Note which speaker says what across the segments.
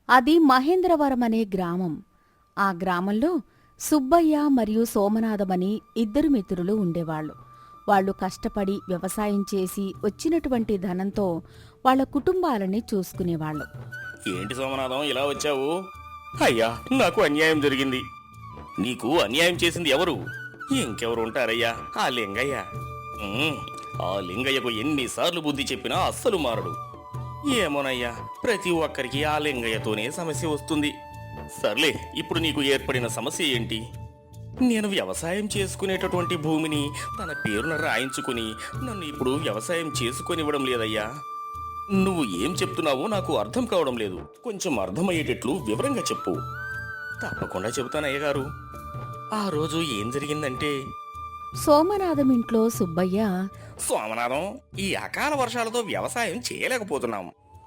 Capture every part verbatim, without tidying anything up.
Speaker 1: అది మహేంద్రవరం అనే గ్రామం. ఆ గ్రామంలో సుబ్బయ్య మరియు సోమనాథమని ఇద్దరు మిత్రులు ఉండేవాళ్లు. వాళ్లు కష్టపడి వ్యవసాయం చేసి వచ్చినటువంటి ధనంతో వాళ్ల కుటుంబాలని చూసుకునేవాళ్లు.
Speaker 2: ఏంటి సోమనాథం ఇలా వచ్చావు? అయ్యా, నాకు అన్యాయం జరిగింది. నీకు అన్యాయం చేసింది ఎవరు? ఇంకెవరు ఉంటారయ్యా? ఆ లింగయ్య. ఉమ్, ఆ లింగయ్యకు ఎన్నిసార్లు బుద్ధి చెప్పినా అస్సలు మారడు. ఏమోనయ్యా, ప్రతి ఒక్కరికి ఆ లింగయ్యతోనే సమస్య వస్తుంది. సర్లే, ఇప్పుడు నీకు ఏర్పడిన సమస్య ఏంటి? నేను వ్యవసాయం చేసుకునేటటువంటి భూమిని తన పేరున రాయించుకుని నన్ను ఇప్పుడు వ్యవసాయం చేసుకొనివ్వడం లేదయ్యా. నువ్వు ఏం చెప్తున్నావో నాకు అర్థం కావడం లేదు. కొంచెం అర్థమయ్యేటట్లు వివరంగా చెప్పు. తప్పకుండా చెబుతానయ్య గారు. ఆ రోజు ఏం జరిగిందంటే,
Speaker 1: సోమనాథం ఇంట్లో సుబ్బయ్య,
Speaker 2: సోమనాథం, ఈ అకాల వర్షాలతో వ్యవసాయం చేయలేకపోతున్నాం.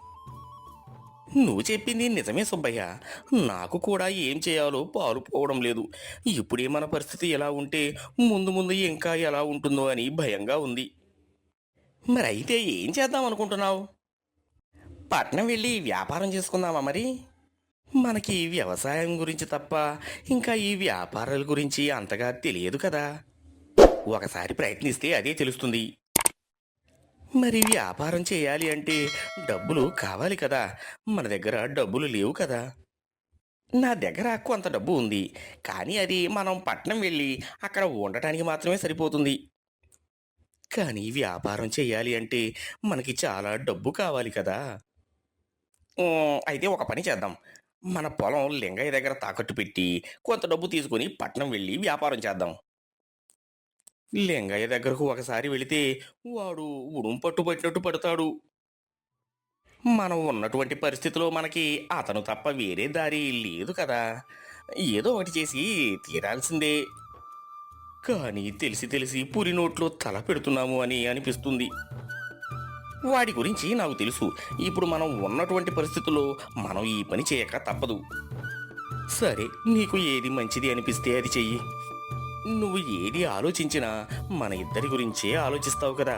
Speaker 2: నువ్వు చెప్పింది నిజమే సుబ్బయ్య. నాకు కూడా ఏం చేయాలో పాలుపోవడం లేదు. ఇప్పుడే మన పరిస్థితి ఎలా ఉంటే ముందు ముందు ఇంకా ఎలా ఉంటుందో అని భయంగా ఉంది. మరి అయితే ఏం చేద్దాం అనుకుంటున్నావు? పట్నం వెళ్ళి వ్యాపారం చేసుకుందామా మరి? మనకి వ్యవసాయం గురించి తప్ప ఇంకా ఈ వ్యాపారాల గురించి అంతగా తెలియదు కదా. ఒకసారి ప్రయత్నిస్తే అదే తెలుస్తుంది. మరి వ్యాపారం చేయాలి అంటే డబ్బులు కావాలి కదా. మన దగ్గర డబ్బులు లేవు కదా. నా దగ్గర కొంత డబ్బు ఉంది, కానీ అది మనం పట్నం వెళ్ళి అక్కడ ఉండటానికి మాత్రమే సరిపోతుంది. కానీ వ్యాపారం చేయాలి అంటే మనకి చాలా డబ్బు కావాలి కదా. ఉమ్, అయితే ఒక పని చేద్దాం. మన పొలం లింగయ్య దగ్గర తాకట్టు పెట్టి కొంత డబ్బు తీసుకొని పట్నం వెళ్ళి వ్యాపారం చేద్దాం. లింగయ్య దగ్గరకు ఒకసారి వెళితే వాడు ఉడుం పట్టు పట్టినట్టు పడతాడు. మనం ఉన్నటువంటి పరిస్థితిలో మనకి అతను తప్ప వేరే దారి లేదు కదా. ఏదో ఒకటి చేసి తీరాల్సిందే. కానీ తెలిసి తెలిసి పురి నోట్లో తల పెడుతున్నాము అని అనిపిస్తుంది. వాడి గురించి నాకు తెలుసు. ఇప్పుడు మనం ఉన్నటువంటి పరిస్థితుల్లో మనం ఈ పని చేయక తప్పదు. సరే, నీకు ఏది మంచిది అనిపిస్తే అది చెయ్యి. నువ్వు ఏది ఆలోచించినా మన ఇద్దరి గురించే ఆలోచిస్తావు కదా.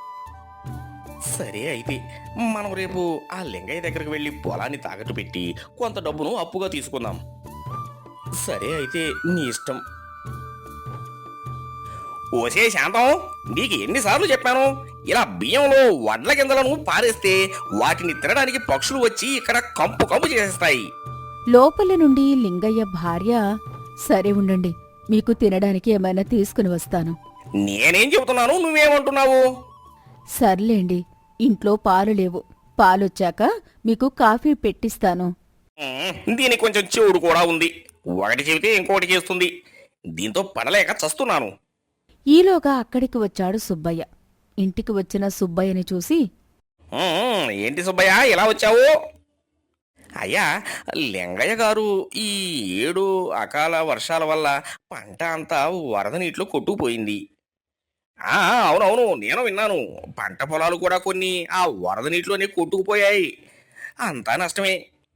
Speaker 2: సరే, అయితే మనం రేపు ఆ లింగయ్య దగ్గరకు వెళ్ళి పొలాన్ని తాకట్టు పెట్టి కొంత డబ్బును అప్పుగా తీసుకుందాం. సరే, అయితే నీ ఇష్టం. ఓసే శాంతం, నీకు ఎన్నిసార్లు చెప్పాను, ఇలా బియ్యంలో వడ్ల గింజలను పారేస్తే వాటిని తినడానికి పక్షులు వచ్చి ఇక్కడ కంపు కంపు చేసేస్తాయి.
Speaker 1: లోపలి నుండి లింగయ్య భార్య, సరే ఉండండి, మీకు తినడానికి ఏమైనా తీసుకుని వస్తాను.
Speaker 2: నేనేం చెబుతున్నాను, నువ్వేమంటున్నావు?
Speaker 1: సర్లేండి, ఇంట్లో పాలు లేవు. పాలొచ్చాక మీకు కాఫీ పెట్టిస్తాను.
Speaker 2: ఉమ్, దీనికి కొంచెం చెవుడు కూడా ఉంది. ఒకటి చెబితే ఇంకొకటి చేస్తుంది. దీంతో పడలేక చస్తున్నాను.
Speaker 1: ఈలోగా అక్కడికి వచ్చాడు సుబ్బయ్య. ఇంటికి వచ్చిన సుబ్బయ్యని చూసి,
Speaker 2: ఉమ్, ఏంటి సుబ్బయ్య ఇలా వచ్చావు? అయ్యా, లింగయ్య గారు ఈ ఏడు అకాల వర్షాల వల్ల పంట అంతా వరద నీటిలో కొట్టుకుపోయింది. ఆ, అవునవును, నేను విన్నాను. పంట పొలాలు కూడా కొన్ని ఆ వరద నీటిలోనే కొట్టుకుపోయాయి. అంతా నష్టమే.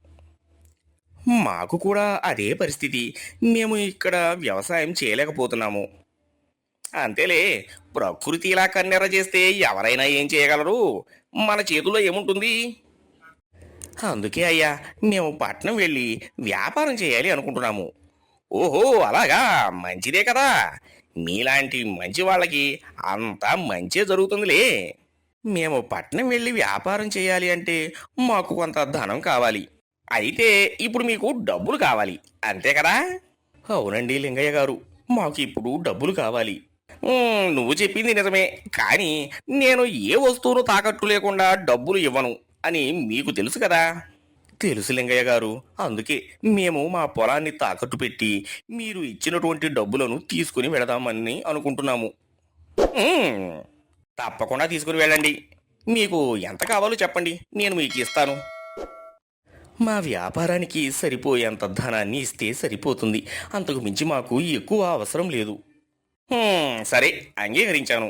Speaker 2: మాకు కూడా అదే పరిస్థితి. మేము ఇక్కడ వ్యవసాయం చేయలేకపోతున్నాము. అంతేలే, ప్రకృతి ఇలా కన్నెర చేస్తే ఎవరైనా ఏం చేయగలరు? మన చేతుల్లో ఏముంటుంది? అందుకే అయ్యా, మేము పట్నం వెళ్ళి వ్యాపారం చేయాలి అనుకుంటున్నాము. ఓహో, అలాగా, మంచిదే కదా. మీలాంటి మంచి వాళ్ళకి అంతా మంచే జరుగుతుందిలే. మేము పట్నం వెళ్ళి వ్యాపారం చేయాలి అంటే మాకు కొంత ధనం కావాలి. అయితే ఇప్పుడు మీకు డబ్బులు కావాలి, అంతే కదా? అవునండి లింగయ్య గారు, మాకు ఇప్పుడు డబ్బులు కావాలి. ఉమ్, నువ్వు చెప్పింది నిజమే, కానీ నేను ఏ వస్తువును తాకట్టు లేకుండా డబ్బులు ఇవ్వను అని మీకు తెలుసు కదా. తెలుసు లింగయ్య గారు, అందుకే మేము మా పొలాన్ని తాకట్టు పెట్టి మీరు ఇచ్చినటువంటి డబ్బులను తీసుకుని వెళదామని అనుకుంటున్నాము. ఉమ్, తప్పకుండా తీసుకుని వెళ్ళండి. మీకు ఎంత కావాలో చెప్పండి, నేను మీకు ఇస్తాను. మా వ్యాపారానికి సరిపోయేంత ధనాన్ని ఇస్తే సరిపోతుంది. అంతకు మించి మాకు ఎక్కువ అవసరం లేదు. ఉమ్, సరే, అంగీకరించాను.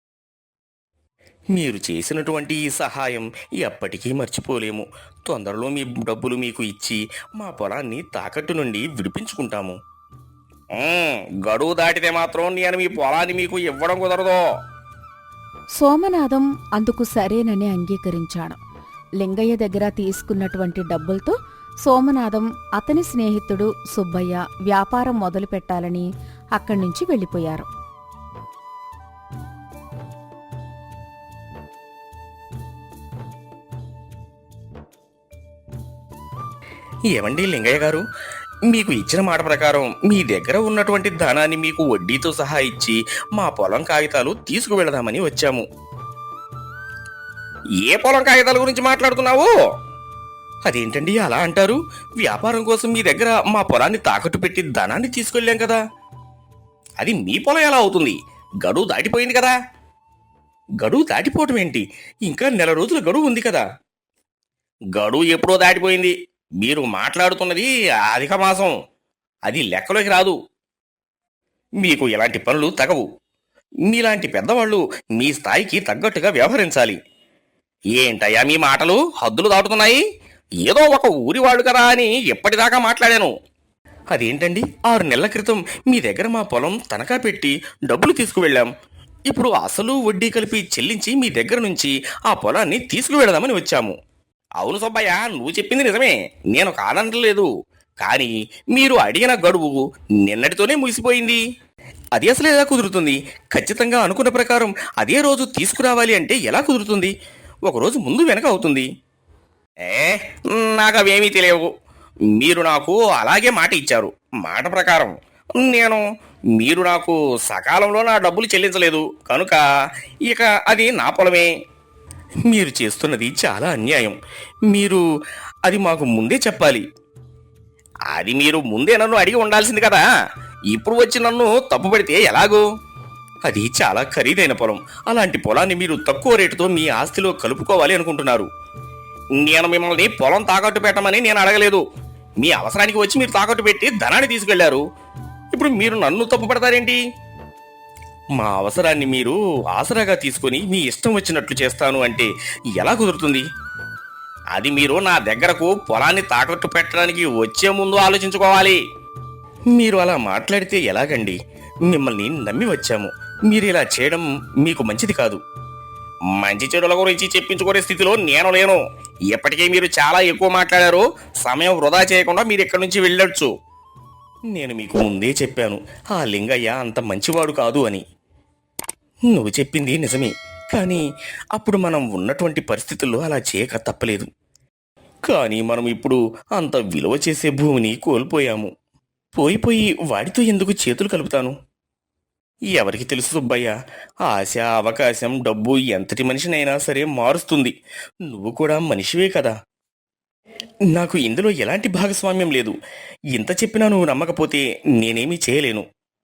Speaker 2: మీరు చేసినటువంటి ఈ సహాయం ఎప్పటికీ మర్చిపోలేము. తొందరలో మీ డబ్బులు మీకు ఇచ్చి మా పొలాన్ని తాకట్టు నుండి విడిపించుకుంటాము. ఉమ్, గడువు దాటితే మాత్రం నేను మీ పొలాన్ని మీకు ఇవ్వడం కుదరదు.
Speaker 1: సోమనాథం అందుకు సరేనని అంగీకరించాడు. లింగయ్య దగ్గర తీసుకున్నటువంటి డబ్బులతో సోమనాథం అతని స్నేహితుడు సుబ్బయ్య వ్యాపారం మొదలు పెట్టాలని అక్కడి నుంచి వెళ్ళిపోయారు.
Speaker 2: ఏమండి లింగయ్య గారు, మీకు ఇచ్చిన మాట ప్రకారం మీ దగ్గర ఉన్నటువంటి ధనాన్ని మీకు వడ్డీతో సహా ఇచ్చి మా పొలం కాగితాలు తీసుకువెళదామని వచ్చాము. ఏ పొలం కాగితాల గురించి మాట్లాడుతున్నావు? అదేంటండి అలా అంటారు? వ్యాపారం కోసం మీ దగ్గర మా పొలాన్ని తాకట్టు పెట్టి ధనాన్ని తీసుకెళ్ళాం కదా. అది మీ పొలం ఎలా అవుతుంది? గడువు దాటిపోయింది కదా. గడువు దాటిపోవటం ఏంటి? ఇంకా నెల రోజుల గడువు ఉంది కదా. గడువు ఎప్పుడో దాటిపోయింది. మీరు మాట్లాడుతున్నది అధిక మాసం, అది లెక్కలోకి రాదు. మీకు ఇలాంటి పనులు తగవు. మీలాంటి పెద్దవాళ్ళు మీ స్థాయికి తగ్గట్టుగా వ్యవహరించాలి. ఏంటయ్యా మీ మాటలు హద్దులు దాటుతున్నాయి? ఏదో ఒక ఊరి వాళ్ళు కదా అని ఎప్పటిదాకా మాట్లాడాను. అదేంటండి, ఆరు నెలల క్రితం మీ దగ్గర మా పొలం తనఖా పెట్టి డబ్బులు తీసుకువెళ్ళాం. ఇప్పుడు అసలు వడ్డీ కలిపి చెల్లించి మీ దగ్గర నుంచి ఆ పొలాన్ని తీసుకువెళదామని వచ్చాము. అవును సుబ్బయ్య, నువ్వు చెప్పింది నిజమే, నేను కాదనలేదు. కానీ మీరు అడిగిన గడువు నిన్నటితోనే ముగిసిపోయింది. అది అసలు ఎలా కుదురుతుంది? ఖచ్చితంగా అనుకున్న ప్రకారం అదే రోజు తీసుకురావాలి అంటే ఎలా కుదురుతుంది? ఒకరోజు ముందు వెనక అవుతుంది. ఏ నాకు అవేమీ తెలియవు. మీరు నాకు అలాగే మాట ఇచ్చారు. మాట ప్రకారం నేను మీరు నాకు సకాలంలో నా డబ్బులు చెల్లించలేదు కనుక ఇక అది నా పొలమే. మీరు చేస్తున్నది చాలా అన్యాయం. మీరు అది మాకు ముందే చెప్పాలి. అది మీరు ముందే నన్ను అడిగి ఉండాల్సింది కదా. ఇప్పుడు వచ్చి నన్ను తప్పుపడితే ఎలాగో? అది చాలా ఖరీదైన పొలం. అలాంటి పొలాన్ని మీరు తక్కువ రేటుతో మీ ఆస్తిలో కలుపుకోవాలి అనుకుంటున్నారు. నేను మిమ్మల్ని పొలం తాకట్టు పెట్టమని నేను అడగలేదు. మీ అవసరానికి వచ్చి మీరు తాకట్టు పెట్టి ధనాన్ని తీసుకెళ్లారు. ఇప్పుడు మీరు నన్ను తప్పు పడతారేంటి? మా అవసరాన్ని మీరు ఆసరాగా తీసుకొని మీ ఇష్టం వచ్చినట్లు చేస్తాను అంటే ఎలా కుదురుతుంది? అది మీరు నా దగ్గరకు పొలాన్ని తాకట్టు పెట్టడానికి వచ్చే ముందు ఆలోచించుకోవాలి. మీరు అలా మాట్లాడితే ఎలాగండి? మిమ్మల్ని నమ్మి వచ్చాము. మీరు ఇలా చేయడం మీకు మంచిది కాదు. మంచి చెడుల గురించి చెప్పించుకునే స్థితిలో నేను లేను. ఇప్పటికే మీరు చాలా ఎక్కువ మాట్లాడారు. సమయం వృధా చేయకుండా మీరు ఇక్కడి నుంచి వెళ్ళొచ్చు. నేను మీకు ముందే చెప్పాను, ఆ లింగయ్య అంత మంచివాడు కాదు అని. నువ్వు చెప్పింది నిజమే, కానీ అప్పుడు మనం ఉన్నటువంటి పరిస్థితుల్లో అలా చేయక తప్పలేదు. కానీ మనం ఇప్పుడు అంత విలువ చేసే భూమిని కోల్పోయాము. పోయిపోయి వాడితో ఎందుకు చేతులు కలుపుతాను? ఎవరికి తెలుసు సుబ్బయ్య, ఆశ, అవకాశం, డబ్బు ఎంతటి మనిషినైనా సరే మారుస్తుంది. నువ్వు కూడా మనిషివే కదా. నాకు ఇందులో ఎలాంటి భాగస్వామ్యం లేదు. ఇంత చెప్పినా నువ్వు నమ్మకపోతే నేనేమీ చేయలేను.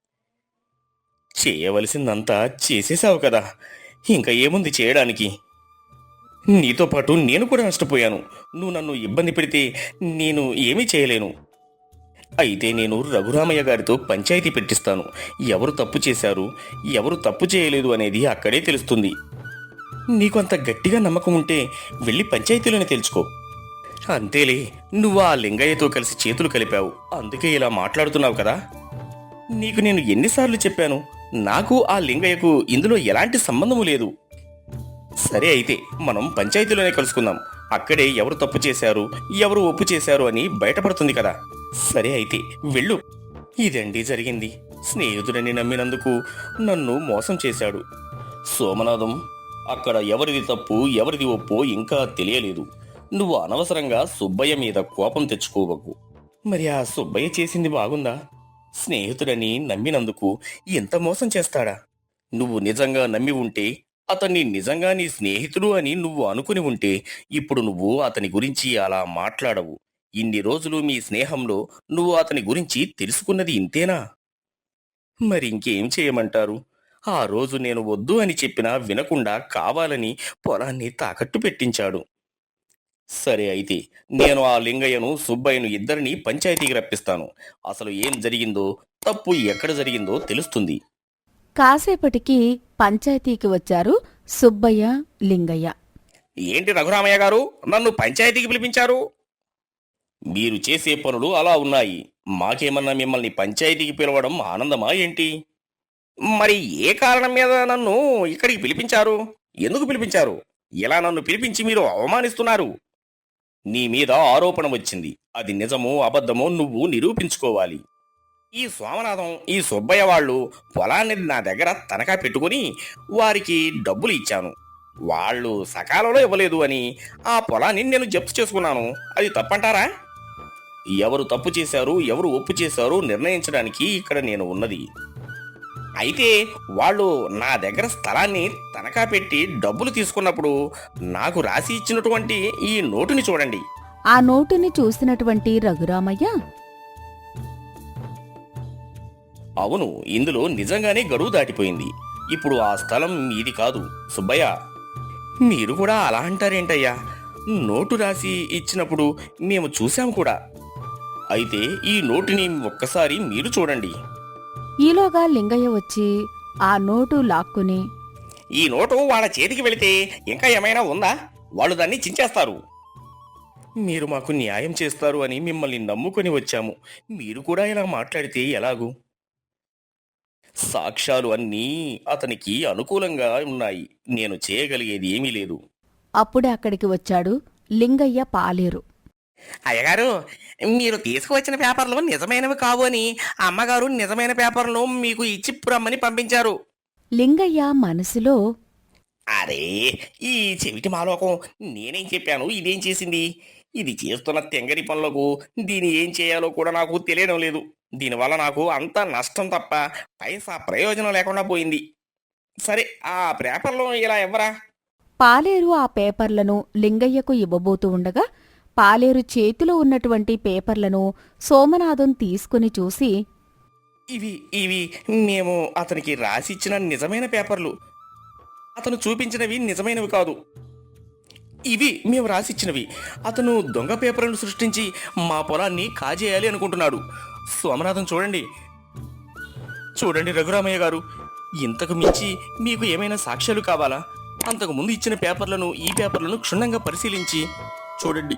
Speaker 2: చేయవలసిందంతా చేసేసావు కదా, ఇంకా ఏముంది చేయడానికి? నీతో పాటు నేను కూడా నష్టపోయాను. నువ్వు నన్ను ఇబ్బంది పెడితే నేను ఏమీ చేయలేను. అయితే నేను రఘురామయ్య గారితో పంచాయతీ పెట్టిస్తాను. ఎవరు తప్పు చేశారు, ఎవరు తప్పు చేయలేదు అనేది అక్కడే తెలుస్తుంది. నీకు అంత గట్టిగా నమ్మకం ఉంటే వెళ్ళి పంచాయతీలోనే తెలుసుకో. అంతేలే, నువ్వు ఆ లింగయ్యతో కలిసి చేతులు కలిపావు, అందుకే ఇలా మాట్లాడుతున్నావు కదా. నీకు నేను ఎన్నిసార్లు చెప్పాను, నాకు ఆ లింగయ్యకు ఇందులో ఎలాంటి సంబంధము లేదు. సరే, అయితే మనం పంచాయతీలోనే కలుసుకుందాం. అక్కడే ఎవరు తప్పు చేశారు, ఎవరు ఒప్పు చేశారు అని బయటపడుతుంది కదా. సరే అయితే వెళ్ళు. ఇదండి జరిగింది. స్నేహితుడని నమ్మినందుకు నన్ను మోసం చేశాడు. సోమనాథం, అక్కడ ఎవరిది తప్పు ఎవరిది ఒప్పో ఇంకా తెలియలేదు. నువ్వు అనవసరంగా సుబ్బయ్య మీద కోపం తెచ్చుకోవకు. మరి ఆ సుబ్బయ్య చేసింది బాగుందా? స్నేహితుడని నమ్మినందుకు ఎంత మోసం చేస్తాడా? నువ్వు నిజంగా నమ్మి ఉంటే, అతన్ని నిజంగా నీ స్నేహితుడు అని నువ్వు అనుకుని ఉంటే, ఇప్పుడు నువ్వు అతని గురించి అలా మాట్లాడవు. ఇన్ని రోజులు మీ స్నేహంలో నువ్వు అతని గురించి తెలుసుకున్నది ఇంతేనా? మరి ఇంకేం చేయమంటారు? ఆ రోజు నేను వద్దు అని చెప్పినా వినకుండా కావాలని పొలాన్ని తాకట్టు పెట్టించాడు. సరే అయితే నేను ఆ లింగయ్యను సుబ్బయ్యను ఇద్దరిని పంచాయతీకి రప్పిస్తాను. అసలు ఏం జరిగిందో, తప్పు ఎక్కడ జరిగిందో తెలుస్తుంది.
Speaker 1: కాసేపటికి పంచాయతీకి వచ్చారు సుబ్బయ్య, లింగయ్య.
Speaker 2: ఏంటి రఘురామయ్య గారు, నన్ను పంచాయతీకి పిలిపించారు? మీరు చేసే పనులు అలా ఉన్నాయి. మాకేమన్నా మిమ్మల్ని పంచాయతీకి పిలవడం ఆనందమా ఏంటి? మరి ఏ కారణం మీద నన్ను ఇక్కడికి పిలిపించారు? ఎందుకు పిలిపించారు? ఇలా నన్ను పిలిపించి మీరు అవమానిస్తున్నారు. నీ మీద ఆరోపణ వచ్చింది. అది నిజమో అబద్ధమో నువ్వు నిరూపించుకోవాలి. ఈ సోమనాథం ఈ సుబ్బయ్య వాళ్ళు పొలాన్ని నా దగ్గర తనఖా పెట్టుకుని వారికి డబ్బులు ఇచ్చాను. వాళ్ళు సకాలంలో ఇవ్వలేదు అని ఆ పొలాన్ని నేను జప్తు చేసుకున్నాను. అది తప్పంటారా? ఎవరు తప్పు చేశారు, ఎవరు ఒప్పు చేశారు నిర్ణయించడానికి ఇక్కడ నేను ఉన్నది. అయితే వాళ్ళు నా దగ్గర స్థలాన్ని తనఖా పెట్టి డబ్బులు తీసుకున్నప్పుడు నాకు రాసి ఇచ్చినటువంటి ఈ నోటుని చూడండి.
Speaker 1: ఆ నోటుని చూసినటువంటి రఘురామయ్య,
Speaker 2: అవును, ఇందులో నిజంగానే గడువు దాటిపోయింది. ఇప్పుడు ఆ స్థలం మీది కాదు. సుబ్బయ్య, మీరు కూడా అలా అంటారేంటయ్యా? నోటు రాసి ఇచ్చినప్పుడు మేము చూశాం కూడా. అయితే ఈ నోటుని ఒక్కసారి మీరు చూడండి.
Speaker 1: ఈలోగా లింగయ్య వచ్చి ఆ నోటు లాక్కుని,
Speaker 2: ఈ నోటు వాళ్ళ చేతికి వెళితే ఇంకా ఏమైనా ఉందా? వాళ్ళు దాన్ని చించేస్తారు. మీరు మాకు న్యాయం చేస్తారు అని మిమ్మల్ని నమ్ముకొని వచ్చాము. మీరు కూడా ఇలా మాట్లాడితే ఎలాగూ? సాక్ష్యాలు అన్నీ అతనికి అనుకూలంగా ఉన్నాయి. నేను చేయగలిగేది ఏమీ లేదు.
Speaker 1: అప్పుడే అక్కడికి వచ్చాడు లింగయ్య పాలేరు.
Speaker 2: అయ్యగారు, మీరు తీసుకువచ్చిన పేపర్లు నిజమైనవి కావు అని అమ్మగారు నిజమైన పేపర్లు మీకు ఇచ్చి రమ్మని పంపించారు.
Speaker 1: లింగయ్య మనసులో,
Speaker 2: అరే, ఈ చెవిటి మాలోకం నేనేం చెప్పాను, ఇదేం చేసింది? ఇది చేస్తున్న తెంగరి పనులకు దీన్ని ఏం చేయాలో కూడా నాకు తెలియడం లేదు. దీనివల్ల నాకు అంత నష్టం తప్ప పైసా ప్రయోజనం లేకుండా పోయింది. సరే, ఆ పేపర్లు ఇలా ఎవ్వరా?
Speaker 1: పాలేరు ఆ పేపర్లను లింగయ్యకు ఇవ్వబోతూ ఉండగా పాలేరు చేతిలో ఉన్నటువంటి పేపర్లను సోమనాథం తీసుకుని చూసి,
Speaker 2: ఇవి ఇవి మేము అతనికి రాసిచ్చిన నిజమైన పేపర్లు. అతను చూపించినవి నిజమైనవి కాదు. ఇవి మేము రాసిచ్చినవి. అతను దొంగ పేపర్లను సృష్టించి మా పొలాన్ని కాజేయాలి అనుకుంటున్నాడు. సోమనాథం, చూడండి చూడండి రఘురామయ్య గారు, ఇంతకు మించి మీకు ఏమైనా సాక్ష్యాలు కావాలా? అంతకు ముందు ఇచ్చిన పేపర్లను, ఈ పేపర్లను క్షుణ్ణంగా పరిశీలించి చూడండి.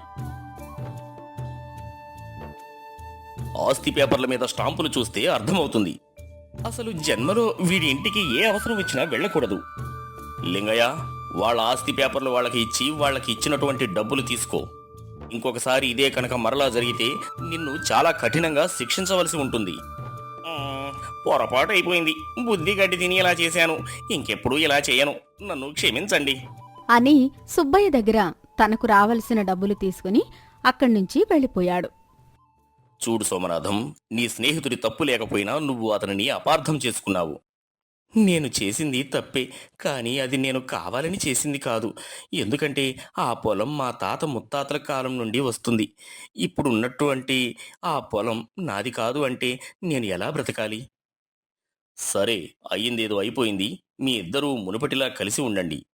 Speaker 2: ఆస్తి పేపర్ల మీద స్టాంపులు చూస్తే అర్థమవుతుంది. అసలు జన్మలో వీడి ఇంటికి ఏ అవసరం వచ్చినా వెళ్ళకూడదు. లింగయ్య, వాళ్ళ ఆస్తి పేపర్లు వాళ్ళకి ఇచ్చి వాళ్ళకి ఇచ్చినటువంటి డబ్బులు తీసుకో. ఇంకొకసారి ఇదే కనుక మరలా జరిగితే నిన్ను చాలా కఠినంగా శిక్షించవలసి ఉంటుంది. ఉమ్, పొరపాటు అయిపోయింది. బుద్ధి గడ్డి తిని ఇలా చేశాను. ఇంకెప్పుడు ఇలా చేయను. నన్ను క్షమించండి
Speaker 1: అని సుబ్బయ్య దగ్గర తనకు రావలసిన డబ్బులు తీసుకుని అక్కడ్నుంచి వెళ్ళిపోయాడు.
Speaker 2: చూడు సోమనాథం, నీ స్నేహితుడి తప్పు లేకపోయినా నువ్వు అతనిని అపార్థం చేసుకున్నావు. నేను చేసింది తప్పే, కానీ అది నేను కావాలని చేసింది కాదు. ఎందుకంటే ఆ పొలం మా తాత ముత్తాతల కాలం నుండి వస్తుంది. ఇప్పుడు ఉన్నటువంటి ఆ పొలం నాది కాదు అంటే నేను ఎలా బ్రతకాలి? సరే, అయ్యిందేదో అయిపోయింది. మీ ఇద్దరూ మునుపటిలా కలిసి ఉండండి.